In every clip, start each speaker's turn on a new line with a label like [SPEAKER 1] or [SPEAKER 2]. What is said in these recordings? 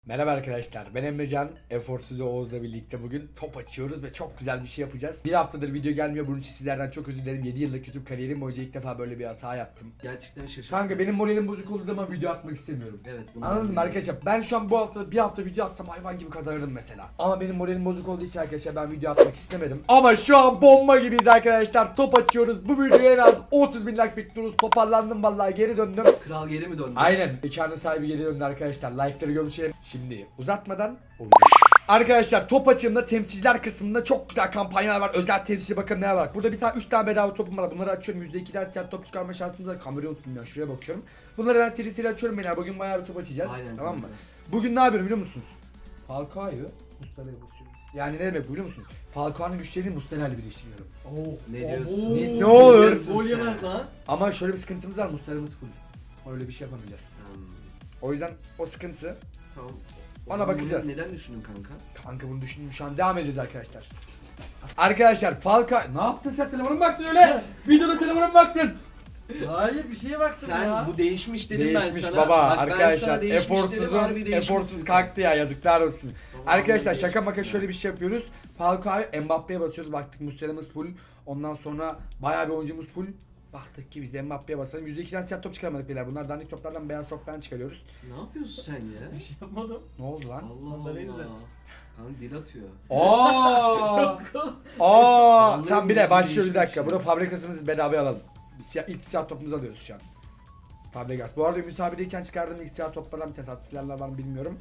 [SPEAKER 1] Merhaba arkadaşlar, ben Emrecan. Eforsuz ve Oğuz'la birlikte bugün top açıyoruz ve çok güzel bir şey yapacağız. Bir haftadır video gelmiyor, bunun için sizlerden çok özür dilerim. 7 yıllık YouTube kariyerim boyunca ilk defa böyle bir hata yaptım.
[SPEAKER 2] Gerçekten şaşırdım.
[SPEAKER 1] Kanka benim moralim bozuk olduğu zaman video atmak istemiyorum.
[SPEAKER 2] Evet.
[SPEAKER 1] Anladın mı arkadaşlar? Ben şu an bu hafta bir hafta video atsam hayvan gibi kazanırdım mesela. Ama benim moralim bozuk olduğu için arkadaşlar ben video atmak istemedim. Ama şu an bomba gibiyiz arkadaşlar. Top açıyoruz. Bu videoya en az 30.000 like bekliyoruz. Toparlandım vallahi, geri döndüm.
[SPEAKER 2] Kral geri mi döndü?
[SPEAKER 1] Aynen. Mekanın sahibi geri döndü arkadaşlar. Like'ları görmüşelim. Şimdi uzatmadan arkadaşlar top açığımda temsilciler kısmında çok güzel kampanyalar var. Özel temsilci bakın ne var. Burada bir tane 3 tane bedava topum var. Bunları açıyorum. %2'den siyah top çıkarma şansımız var. Kamerayı unuttum ya. Şuraya bakıyorum. Bunları ben seri açıyorum beyler. Bugün bayağı bir top açacağız.
[SPEAKER 2] Aynen,
[SPEAKER 1] tamam mı?
[SPEAKER 2] aynen.
[SPEAKER 1] Bugün ne yapıyorum biliyor musunuz? Falcao'yu Mustafa'ya basıyorum. Yani ne demek biliyor musun? Falcao'nun güçlerini Mustafa'yla birleştiriyorum.
[SPEAKER 2] Ne diyorsun?
[SPEAKER 1] Ne olur.
[SPEAKER 2] diyorsun
[SPEAKER 3] Gol
[SPEAKER 2] sen?
[SPEAKER 3] yemez lan.
[SPEAKER 1] Ama şöyle bir sıkıntımız var. Mustafa'mız full. Öyle bir şey yapamayacağız.
[SPEAKER 2] Hmm,
[SPEAKER 1] O yüzden o sıkıntı.
[SPEAKER 2] Tamam.
[SPEAKER 1] Ona
[SPEAKER 2] Bunu
[SPEAKER 1] bakacağız.
[SPEAKER 2] Neden düşündün kanka?
[SPEAKER 1] Kanka bunu düşündüm, şu an devam edeceğiz arkadaşlar. Arkadaşlar Falcao... Ne yaptın sen, telefona mı baktın öyle? Videoda telefona mı baktın?
[SPEAKER 3] Hayır bir şeye baktım
[SPEAKER 2] Sen
[SPEAKER 3] ya.
[SPEAKER 2] bu değişmiş dedim ben
[SPEAKER 1] Değişmiş
[SPEAKER 2] sana.
[SPEAKER 1] baba
[SPEAKER 2] Bak, ben sana
[SPEAKER 1] arkadaşlar.
[SPEAKER 2] değişmiş dedim, harbi değişmişsin
[SPEAKER 1] Eforsuz
[SPEAKER 2] sen.
[SPEAKER 1] kalktı ya, yazıklar olsun.
[SPEAKER 2] Tamam,
[SPEAKER 1] Arkadaşlar
[SPEAKER 2] harbi
[SPEAKER 1] şaka maka
[SPEAKER 2] değişmişsin
[SPEAKER 1] şöyle bir şey yapıyoruz. Falcao'yu Mbappe'ye basıyoruz, baktık Muslera'mız full. Ondan sonra bayağı bir oyuncumuz full. Baktık ki biz de Mbappe'ye basalım. %2'den siyah top çıkaramadık beyler. Bunlar dandik toplardan beyaz toplardan çıkarıyoruz.
[SPEAKER 2] Ne yapıyorsun sen ya?
[SPEAKER 3] Bir şey yapmadım.
[SPEAKER 1] Ne oldu lan?
[SPEAKER 2] Allah
[SPEAKER 3] Sandalyeyi
[SPEAKER 2] Allah.
[SPEAKER 3] düzelt.
[SPEAKER 2] Kanka dil atıyor.
[SPEAKER 1] Aa!
[SPEAKER 2] Vallahi
[SPEAKER 1] Tam bir
[SPEAKER 2] bu
[SPEAKER 1] de başlıyor, bir
[SPEAKER 2] değişmiş
[SPEAKER 1] dakika.
[SPEAKER 2] ya.
[SPEAKER 1] Burada fabrikasımızı bedavaya alalım. İlk siyah topumuzu alıyoruz şu an. Fabregas. Bu arada müsabedeyken çıkardığım ilk siyah toplardan bir tane attıklarla var mı bilmiyorum.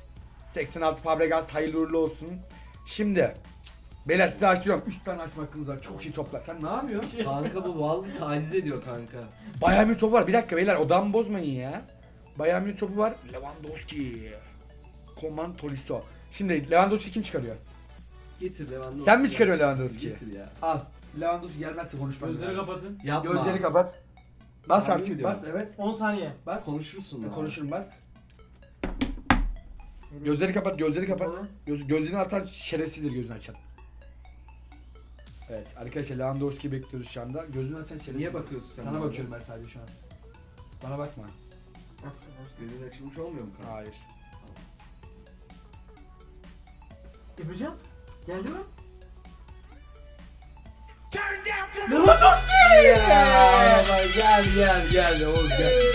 [SPEAKER 1] 86 Fabregas, hayırlı uğurlu olsun. Şimdi beyler size açıyorum. 3 tane açma hakkınız var. Çok iyi toplar. Sen ne yapıyorsun?
[SPEAKER 2] Kanka bu vallahi taciz ediyor kanka.
[SPEAKER 1] Bayern Münih topu var. Bir dakika beyler, odamı bozmayın ya. Bayern Münih topu var. Lewandowski. Coman Tolisso. Şimdi Lewandowski kim çıkarıyor?
[SPEAKER 2] Getir Lewandowski.
[SPEAKER 1] Sen mi çıkarıyorsun Lewandowski'yi?
[SPEAKER 2] Getir ya.
[SPEAKER 1] Al. Lewandowski gelmezse konuşmam.
[SPEAKER 3] Gözleri kapatın.
[SPEAKER 2] Yapma.
[SPEAKER 1] Gözleri kapat. Bas
[SPEAKER 2] Harbi mi
[SPEAKER 1] artık,
[SPEAKER 2] diyorsun?
[SPEAKER 1] bas, evet.
[SPEAKER 3] 10 saniye.
[SPEAKER 1] Bas.
[SPEAKER 2] Konuşursun lan.
[SPEAKER 1] Konuşurum, bas. Gözleri kapat, gözleri kapat.
[SPEAKER 3] Tamam.
[SPEAKER 1] Gözünü atan şerefsizdir gözünü açan. Evet arkadaşlar, Lewandowski bekliyoruz şu anda. Gözünü açan şerefsiz.
[SPEAKER 2] Niye bakıyorsun sen?
[SPEAKER 1] Sana
[SPEAKER 2] bana?
[SPEAKER 1] bakıyorum ben sadece şu an. Bana bakma.
[SPEAKER 2] Gözün açılmış olmuyor mu kanka?
[SPEAKER 1] Hayır.
[SPEAKER 3] Yapacağım. Geldi mi?
[SPEAKER 1] Gel oğlum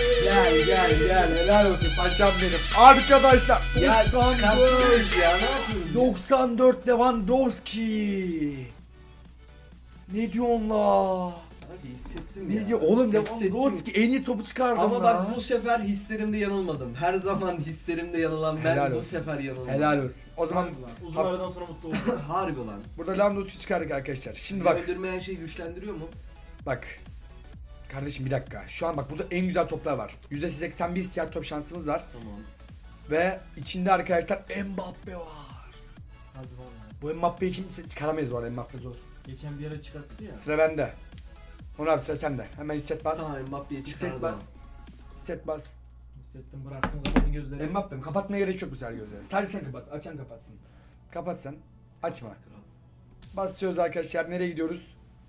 [SPEAKER 1] gel. Helal olsun paşam benim. Arkadaşlar.
[SPEAKER 2] Ya
[SPEAKER 1] 94.
[SPEAKER 2] çıkartıyoruz ya, ne yapıyoruz?
[SPEAKER 1] 94 Lewandowski. Ne diyorsun la?
[SPEAKER 2] Abi hissettim ya.
[SPEAKER 1] Ne diyor oğlum,
[SPEAKER 2] Hissettim.
[SPEAKER 1] Lewandowski en iyi topu çıkardı.
[SPEAKER 2] Ama bak bu sefer hislerimde yanılmadım. Her zaman hislerimde yanılan ben
[SPEAKER 1] Helal
[SPEAKER 2] bu
[SPEAKER 1] olsun.
[SPEAKER 2] sefer yanılmadım.
[SPEAKER 1] Helal olsun. O zaman
[SPEAKER 3] Uzun aradan sonra mutlu oldum.
[SPEAKER 2] Harbi lan.
[SPEAKER 1] burada Lewandowski çıkardık arkadaşlar. Şimdi
[SPEAKER 2] Bizi
[SPEAKER 1] bak.
[SPEAKER 2] öldürmeyen şey güçlendiriyor mu?
[SPEAKER 1] Bak. Kardeşim bir dakika. Şu an bak burada en güzel toplar var. %81 siyah top şansımız var.
[SPEAKER 2] Tamam.
[SPEAKER 1] Ve içinde arkadaşlar Mbappe var.
[SPEAKER 3] Hadi vallahi.
[SPEAKER 1] Bu Mbappe'yi kimse çıkaramayız bu arada, Mbappe zor.
[SPEAKER 3] Geçen bir ara çıkarttı ya.
[SPEAKER 1] Sıra bende. Onur abi sıra sende. Hemen hisset bas.
[SPEAKER 2] Tamam Mbappe'yi
[SPEAKER 1] Hisset
[SPEAKER 2] çıkardım.
[SPEAKER 1] bas. Hisset bas.
[SPEAKER 3] Hissettim, bıraktım, kapatın gözleri.
[SPEAKER 1] Mbappe'm kapatmaya gerek yok bu sefer gözleri. Sadece sen kapat. Açan kapatsın. Kapat sen. Açma. Basıyoruz arkadaşlar. Nereye gidiyoruz?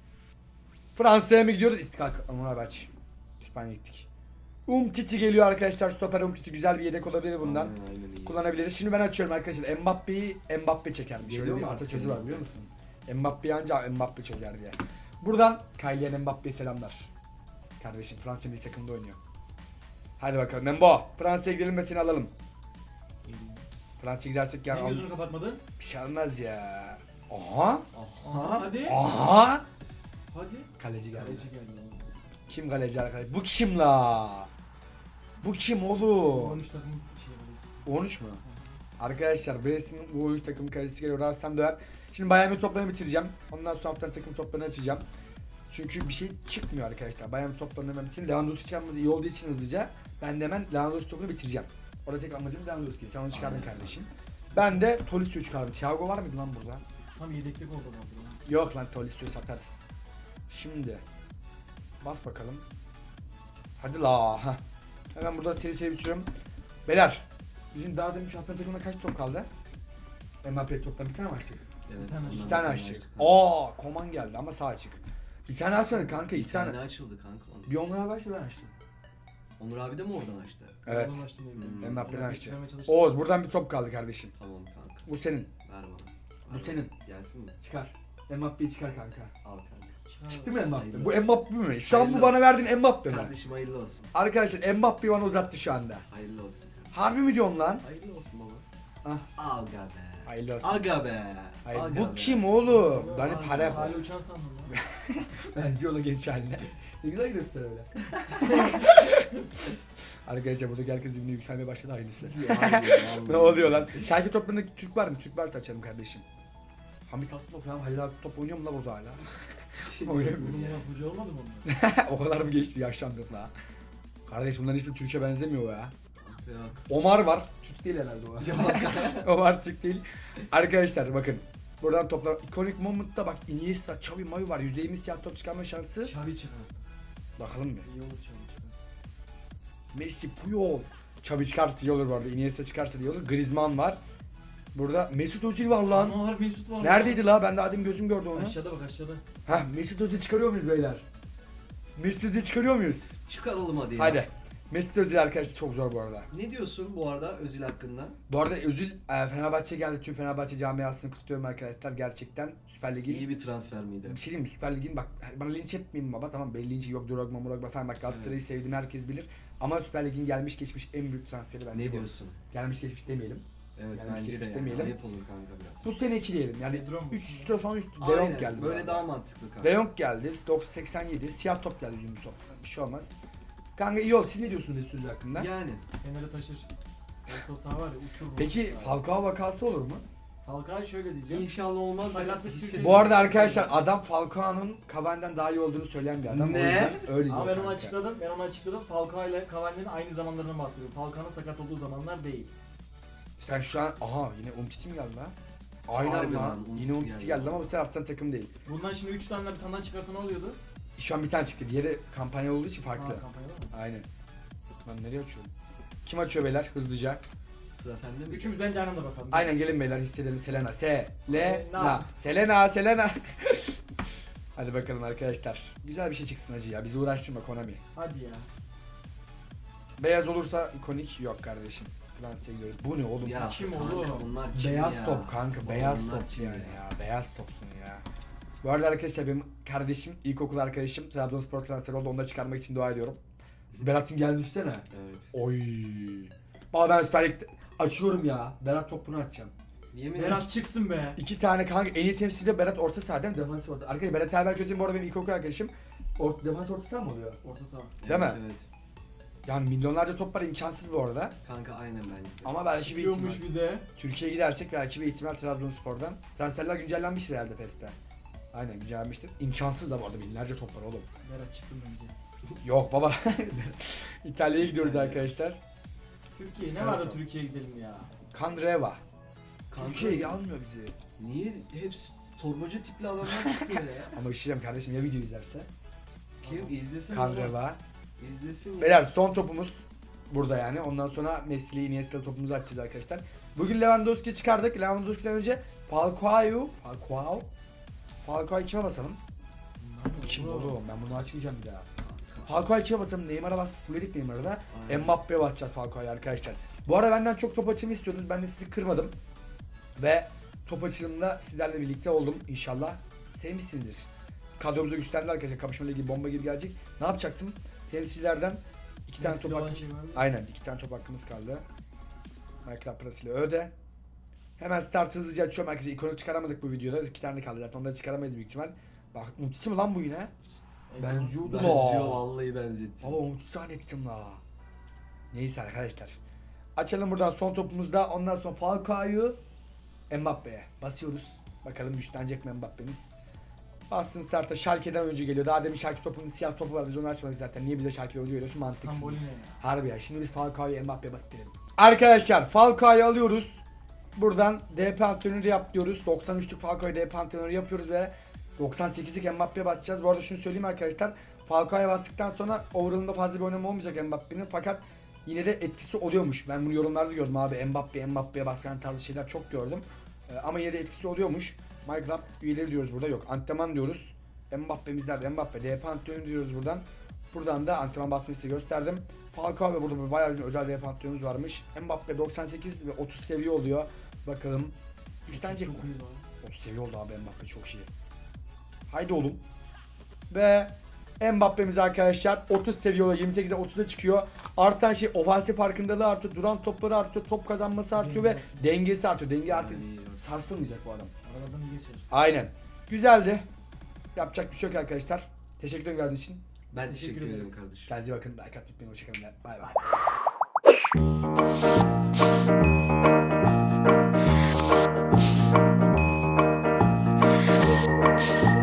[SPEAKER 1] Fransa'ya mı gidiyoruz? İstikal. Onur abi aç. İspanya'ya gittik. Umtiti geliyor arkadaşlar. Stoper Umtiti güzel bir yedek olabilir bundan.
[SPEAKER 2] Aynen iyi.
[SPEAKER 1] Kullanabiliriz. Şimdi ben açıyorum arkadaşlar. Mbappe çekermiş. Şöyle
[SPEAKER 2] Geliyor
[SPEAKER 1] bir
[SPEAKER 2] mu artık
[SPEAKER 1] atasözü
[SPEAKER 2] yani?
[SPEAKER 1] var biliyor musun? Mbappe'yi anca Mbappe çözer diye. Buradan Kylian Mbappe'ye selamlar. Kardeşim Fransa milli takımda oynuyor. Hadi bakalım Membo. Fransa'ya gidelim ve seni alalım. Fransa'ya gidersek
[SPEAKER 3] Niye
[SPEAKER 1] yani
[SPEAKER 3] gözünü kapatmadın?
[SPEAKER 1] bir şey olmaz ya. Aha.
[SPEAKER 2] Aha.
[SPEAKER 3] Hadi.
[SPEAKER 1] Aha.
[SPEAKER 3] Hadi.
[SPEAKER 1] Kaleci geldi.
[SPEAKER 3] Kaleci geldi.
[SPEAKER 1] Kim kaleci arkadaş? Bu kim la? Bu kim oğlum?
[SPEAKER 3] 13 takım şey yapıyoruz.
[SPEAKER 1] 13 mu? Arkadaşlar Brest'in bu oyuncu takım kalecisi geliyor. Rahatsam döver. Şimdi Bayern Münih toplarını bitireceğim. Ondan sonra haftanın takım toplarını açacağım. Çünkü bir şey çıkmıyor arkadaşlar. Bayern Münih toplarını hemen bitireyim. Lewandowski çıkarmadı iyi olduğu için hızlıca. Ben de hemen Lewandowski topunu bitireceğim. Orada tek amacım Lewandowski. Sen onu çıkardın kardeşim. Ben de Tolisso'yu çıkardım. Thiago var mıydı lan burada?
[SPEAKER 3] Tam yedeklik oldu lan.
[SPEAKER 1] Yok lan, Tolisso'yu satarız. Şimdi bas bakalım. Hadi la. Heh. Hemen burada seri bitiriyorum. Beyler, bizim daha demin şu haftanın takımında kaç top kaldı? Mbappe toptan bir tane mi açtık?
[SPEAKER 2] Evet,
[SPEAKER 3] tane
[SPEAKER 2] ondan
[SPEAKER 1] İki tane
[SPEAKER 2] sonra
[SPEAKER 1] açtık.
[SPEAKER 2] açtık.
[SPEAKER 1] Aa, Koman geldi ama sağ açık. Bir tane açmadık kanka, iki
[SPEAKER 2] Bir tane
[SPEAKER 1] tane.
[SPEAKER 2] açıldı kanka.
[SPEAKER 1] Bir onlara başla, ben açtım.
[SPEAKER 2] Onur abi de mi oradan açtı?
[SPEAKER 1] Evet.
[SPEAKER 3] Oradan açtım diye biliyorum.
[SPEAKER 1] Mbappe'den
[SPEAKER 3] Oradan
[SPEAKER 1] açtı.
[SPEAKER 3] geçirmeye çalıştım.
[SPEAKER 1] Oğuz buradan bir top kaldı kardeşim.
[SPEAKER 2] Tamam kanka.
[SPEAKER 1] Bu senin.
[SPEAKER 2] Ver bana.
[SPEAKER 1] Bu
[SPEAKER 2] Ver
[SPEAKER 1] senin.
[SPEAKER 2] bana. Gelsin mi?
[SPEAKER 1] Çıkar. Mbappe'yi çıkar kanka.
[SPEAKER 2] Al kanka.
[SPEAKER 3] Çıkar
[SPEAKER 1] Çıktı
[SPEAKER 3] abi.
[SPEAKER 1] mı Mbappe?
[SPEAKER 2] Hayırlı
[SPEAKER 1] Bu
[SPEAKER 2] olsun.
[SPEAKER 1] Mbappe mi? Şu an bu
[SPEAKER 2] Hayırlı
[SPEAKER 1] bana
[SPEAKER 2] olsun.
[SPEAKER 1] verdiğin Mbappe mi?
[SPEAKER 2] Kardeşim hayırlı olsun.
[SPEAKER 1] Arkadaşlar Mbappe'yi bana uzattı şu anda.
[SPEAKER 2] Hayırlı olsun kanka.
[SPEAKER 1] Harbi mi diyorsun lan?
[SPEAKER 2] Hayırlı olsun baba.
[SPEAKER 1] Ah.
[SPEAKER 2] Aga be.
[SPEAKER 1] Hayırlı olsun.
[SPEAKER 2] Aga be.
[SPEAKER 1] Hayır,
[SPEAKER 2] Aga
[SPEAKER 1] bu
[SPEAKER 2] be.
[SPEAKER 1] kim oğlum? Ben
[SPEAKER 3] Hala-
[SPEAKER 1] para
[SPEAKER 3] Hala uçan sandım lan.
[SPEAKER 1] Ben yola geç haline. Ne güzel gidiyorsun öyle. Arkadaşlar buradaki herkes birbirine yükselmeye başladı hayırlısı. Ne oluyor lan? Şarkı toplarında Türk var mı? Türk varsa açalım kardeşim. Hamit Atlop ya. Halil abi top oynuyor mu la burada hala? Oynamıyor.
[SPEAKER 3] Bunun hoca olmadı mı onlar?
[SPEAKER 1] O kadar mı geçti yaşlandık la? Kardeş bunların hiçbir Türk'e benzemiyor ya.
[SPEAKER 2] Yok.
[SPEAKER 1] Omar var. Türk değil herhalde o. Omar Türk değil. Arkadaşlar bakın. Buradan toplar. Iconic Moment'ta bak Iniesta, Xavi, Mavi var. %20 siyah top çıkarma şansı.
[SPEAKER 3] Xavi çıkar.
[SPEAKER 1] Bakalım bir.
[SPEAKER 3] İyi olur Xavi çıkar.
[SPEAKER 1] Messi, Puyol. Xavi çıkarsa iyi olur bu arada. Iniesta çıkarsa iyi olur. Griezmann var. Burada Mesut Özil var lan.
[SPEAKER 3] Ama var Mesut var.
[SPEAKER 1] Neredeydi la? Ben de adım gözüm gördü onu.
[SPEAKER 3] Aşağıda bak aşağıda.
[SPEAKER 1] Hah Mesut Özil çıkarıyor muyuz beyler? Mesut Özil çıkarıyor muyuz?
[SPEAKER 2] Çıkaralım hadi ya.
[SPEAKER 1] Hadi. Mesut Özil arkadaşlar çok zor bu arada.
[SPEAKER 2] Ne diyorsun bu arada Özil hakkında?
[SPEAKER 1] Bu arada Özil Fenerbahçe geldi. Tüm Fenerbahçe camiasını kutluyorum arkadaşlar. Gerçekten Süper Lig'in
[SPEAKER 2] İyi bir transfer miydi?
[SPEAKER 1] bir şey diyeyim mi? Süper Lig'in bak bana linç etmeyin baba tamam belli linci yok Drogba Morogba falan bak Galatasaray'ı sevdiğimi herkes bilir. Ama Süper Lig'in gelmiş geçmiş en büyük transferi bence
[SPEAKER 2] Ne
[SPEAKER 1] bu.
[SPEAKER 2] diyorsun?
[SPEAKER 1] Gelmiş geçmiş demeyelim.
[SPEAKER 2] Evet
[SPEAKER 1] Yani
[SPEAKER 2] bence
[SPEAKER 1] hiç
[SPEAKER 2] de yani.
[SPEAKER 1] demeyelim.
[SPEAKER 2] Ayıp olur kanka biraz.
[SPEAKER 1] Bu sene 2 diyelim yani
[SPEAKER 3] Pedro mu?
[SPEAKER 1] 3 son 3 De
[SPEAKER 2] Aynen,
[SPEAKER 1] Jong geldi.
[SPEAKER 2] böyle
[SPEAKER 1] bu
[SPEAKER 2] daha
[SPEAKER 1] arada.
[SPEAKER 2] mantıklı kanka.
[SPEAKER 1] De Jong geldi 87 siyah top geldi yüzümü top. Bir şey olmaz. Kanka iyi oldu. Siz ne diyorsunuz Mesut Özil hakkında?
[SPEAKER 2] Yani.
[SPEAKER 3] Fener'e taşır. Orta saha var ya uçur. bu.
[SPEAKER 1] Peki Falcao vakası olur mu?
[SPEAKER 3] Falcao şöyle diyeceğim.
[SPEAKER 2] İnşallah olmaz.
[SPEAKER 3] Sakatlık
[SPEAKER 2] Ben
[SPEAKER 3] Türkiye'de-
[SPEAKER 1] Bu arada arkadaşlar adam Falcao'nun Cavani'den daha iyi olduğunu söyleyen bir adam.
[SPEAKER 2] Ne?
[SPEAKER 1] O yüzden öyle
[SPEAKER 3] Ama
[SPEAKER 1] diyor
[SPEAKER 3] ben onu
[SPEAKER 1] kanka.
[SPEAKER 3] açıkladım. Falcao ile Cavani'nin aynı zamanlarından bahsediyorum. Falcao'nun sakat olduğu zamanlar değil.
[SPEAKER 1] Sen şu an aha yine Umtiti mi geldi lan? Aynen
[SPEAKER 2] Harbiden
[SPEAKER 1] lan.
[SPEAKER 2] Umtiti
[SPEAKER 1] Yine Umtiti
[SPEAKER 2] geldi.
[SPEAKER 1] geldi ama bu sefer haftanın takım değil.
[SPEAKER 3] Bundan şimdi 3 tane bir tane daha çıkarsa ne oluyordu?
[SPEAKER 1] Şu an bir tane çıktı. Diğeri kampanya olduğu için
[SPEAKER 3] Ha,
[SPEAKER 1] farklı.
[SPEAKER 3] kampanyada mı?
[SPEAKER 1] Aynen. Lan nereye açıyorum? Kim açıyor beyler hızlıca?
[SPEAKER 2] Sıra sende mi?
[SPEAKER 3] Üçümüz bence aynı anda basalım.
[SPEAKER 1] Aynen gelin beyler hissedelim. Selena.
[SPEAKER 3] Selena.
[SPEAKER 1] Selena. Hadi bakalım arkadaşlar. Güzel bir şey çıksın hacı ya. Bizi uğraştırma Konami.
[SPEAKER 3] Hadi ya.
[SPEAKER 1] Beyaz olursa ikonik yok kardeşim. Fransa'ya gidiyoruz. Bu ne oğlum?
[SPEAKER 2] Ya
[SPEAKER 3] Kim
[SPEAKER 2] kanka,
[SPEAKER 3] oğlum?
[SPEAKER 2] bunlar kim
[SPEAKER 1] Beyaz
[SPEAKER 2] ya?
[SPEAKER 1] top kanka.
[SPEAKER 2] Oğlum
[SPEAKER 1] Beyaz
[SPEAKER 2] bunlar
[SPEAKER 1] top
[SPEAKER 2] kim
[SPEAKER 1] yani ya. Beyaz topsun ya. Bu arada arkadaşlar benim kardeşim, ilkokul arkadaşım Trabzonspor transferi oldu. Onu da çıkarmak için dua ediyorum. Berat'ın geldi üstüne.
[SPEAKER 2] Evet.
[SPEAKER 1] Oy. Valla ben Süper Lig'de açıyorum ya. Berat topunu açacağım.
[SPEAKER 2] Yemin
[SPEAKER 3] Berat çıksın be.
[SPEAKER 1] 2 tane kanka en iyi temsilci Berat orta saha değil mi? Defans orta. Arkadaşlar Berat Erberköz'ün bu arada benim ilkokul arkadaşım. Defans orta saha mı oluyor?
[SPEAKER 3] Orta saha.
[SPEAKER 1] Değil mi?
[SPEAKER 2] Evet.
[SPEAKER 1] Yani milyonlarca top var imkansız bu arada.
[SPEAKER 2] Kanka aynen bence.
[SPEAKER 1] Ama belki bir ihtimal.
[SPEAKER 3] Çıkıyormuş bir de.
[SPEAKER 1] Türkiye'ye gidersek belki bir ihtimal Trabzonspor'dan. Transferler güncellenmiştir herhalde PES'te. Aynen güncellenmiştir. İmkansız da bu arada binlerce top var oğlum.
[SPEAKER 3] Berat çıktım bence.
[SPEAKER 1] Yok baba. İtalya'ya gidiyoruz
[SPEAKER 2] İtalya.
[SPEAKER 1] arkadaşlar.
[SPEAKER 3] Türkiye ne
[SPEAKER 1] Sen
[SPEAKER 3] var da
[SPEAKER 1] sor.
[SPEAKER 3] Türkiye'ye gidelim ya.
[SPEAKER 1] Kandreva.
[SPEAKER 2] Kanka,
[SPEAKER 1] Türkiye'ye almıyor bizi.
[SPEAKER 2] Niye hepsi torbacı tipli adamlar çıkıyor ya?
[SPEAKER 1] Ama işleyeceğim kardeşim ya video izlerse.
[SPEAKER 2] Kim izlesin?
[SPEAKER 1] Kandreva.
[SPEAKER 2] İzlesin ya.
[SPEAKER 1] Beyler son topumuz burada yani. Ondan sonra Messi'li Iniesta'lı topumuzu açacağız arkadaşlar. Bugün Lewandowski çıkardık. Lewandowski'den önce Falcao'yu kime basalım? Kim oğlum? Ben bunu açmayacağım bir daha. Falcao'yu kime basalım? Neymar'a bas. Fulledik Neymar'a da.
[SPEAKER 2] Aynen.
[SPEAKER 1] Mbappe'ye basacağız Falcao'yu arkadaşlar. Bu arada benden çok top açımı istiyordunuz. Ben de sizi kırmadım. Ve top açılımında sizlerle birlikte oldum. İnşallah sevmişsinizdir. Kadromuzu güçlendi arkadaşlar. Kapışma ligi bomba gibi gelecek. Ne yapacaktım? Temsilcilerden 2 tane top
[SPEAKER 3] Messi'de olan
[SPEAKER 1] hakkı.
[SPEAKER 3] şey var ya.
[SPEAKER 1] Aynen 2 tane top hakkımız kaldı. Michael Pras ile öde. Hemen start hızlıca açıyorum arkadaşlar. İkonik çıkaramadık bu videoda. 2 tane kaldı zaten. Onları çıkaramayız büyük ihtimal. Bak Umutisi mi lan bu yine? Benziyordu la.
[SPEAKER 2] Benziyor vallahi benzettim.
[SPEAKER 1] Baba Umutisi zannettim la. Neyse arkadaşlar. Açalım buradan son topumuzda. Ondan sonra Falcao'yu Mbappe'ye basıyoruz. Bakalım güçlenecek mi Mbappe'miz. Bastım starta Schalke'den önce geliyor. Daha demin Schalke topunun siyah topu var. Biz onu açmadık zaten. Niye bize Schalke'ye oyuncu veriyorsun? Mantıksız.
[SPEAKER 3] Stambolini ya.
[SPEAKER 1] Harbi ya. Şimdi biz Falcao'yu Mbappe'ye basıp verelim. Arkadaşlar Falcao'yu alıyoruz. Buradan DP antrenörü yap diyoruz. 93'lük Falcao'yu DP antrenörü yapıyoruz ve 98'lik Mbappe'ye basacağız. Bu arada şunu söyleyeyim arkadaşlar. Falcao'ya bastıktan sonra overall'ında fazla bir oynama olmayacak Mbappe'nin. Fakat yine de etkisi oluyormuş. Ben bunu yorumlarda gördüm abi. Mbappe'ye baskan tarzı şeyler çok gördüm. Ama yine de etkisi oluyormuş. MyClub üyeleri diyoruz burada. Yok antrenman diyoruz. Mbappe'miz nerede? Mbappe. DP antrenörü diyoruz buradan. Buradan da antrenman basmayı size gösterdim. Falcao ve burada bayağı bir özel defans antrenörümüz varmış. Mbappe 98 ve 30 seviye oluyor. Bakalım. Güçlenecek mi?
[SPEAKER 3] Çok iyi lan.
[SPEAKER 1] 30 seviye oldu abi, Mbappe çok iyi. Haydi oğlum. Ve Mbappe'miz arkadaşlar 30 seviye oluyor. 28'e 30'a çıkıyor. Artan şey ofansif farkındalığı artıyor. Duran topları artıyor. Top kazanması artıyor ve dengesi artıyor. Denge artık sarsılmayacak bu adam.
[SPEAKER 3] Aralardan iyi geçer.
[SPEAKER 1] Aynen. Güzeldi. Yapacak bir şey yok arkadaşlar. Teşekkür ederim geldiğiniz için.
[SPEAKER 2] Ben
[SPEAKER 3] Teşekkür
[SPEAKER 2] teşekkür ederim
[SPEAKER 3] ederiz.
[SPEAKER 2] kardeşim.
[SPEAKER 1] Kendinize iyi bakın. Like atmayı unutmayın. Hoşçakalın. Bay bay.